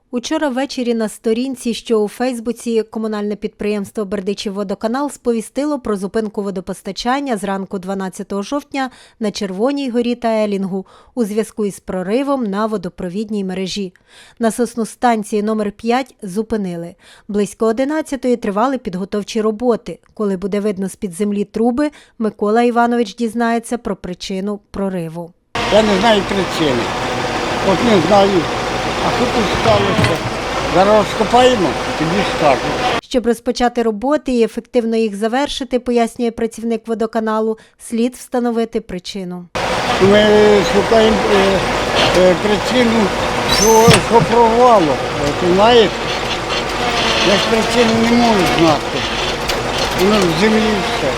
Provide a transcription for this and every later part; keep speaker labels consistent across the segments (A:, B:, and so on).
A: Учора ввечері на сторінці, що у Фейсбуці, комунальне підприємство «Бердичівводоканал» сповістило про зупинку водопостачання зранку 12 жовтня на Червоній горі та Елінгу у зв'язку із проривом на водопровідній мережі. Насосну станцію номер 5 зупинили. Близько 11-ї тривали підготовчі роботи. Коли буде видно з-під землі труби, Микола Іванович дізнається про причину прориву.
B: Я не знаю причини. От не знаю. А що тут сталося? Зараз розкопаємо, тобі скажу.
A: Щоб розпочати роботи і ефективно їх завершити, пояснює працівник водоканалу, слід встановити причину.
B: Ми шукаємо причину, що прорвало. Ти знаєш? Я ж причину не можу знати. Воно в землі все.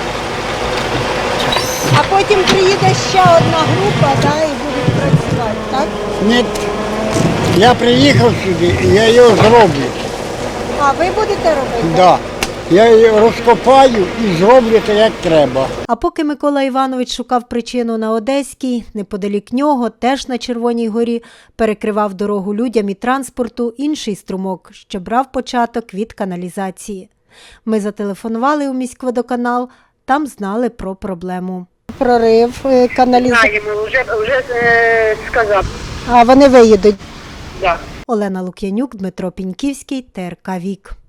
C: А потім приїде ще одна група, і будуть працювати, так?
B: Ні, я приїхав сюди і я його зроблю.
C: А ви будете робити?
B: Так. Да. Я її розкопаю і зроблю те, як треба.
A: А поки Микола Іванович шукав причину на Одеській, неподалік нього, теж на Червоній горі, перекривав дорогу людям і транспорту інший струмок, що брав початок від каналізації. Ми зателефонували у міськводоканал, там знали про проблему.
C: Прорив каналізації.
D: Знаємо, вже сказав.
C: А вони виїдуть.
D: Да.
A: Олена Лук'янюк, Дмитро Піньківський, ТРК «Вік».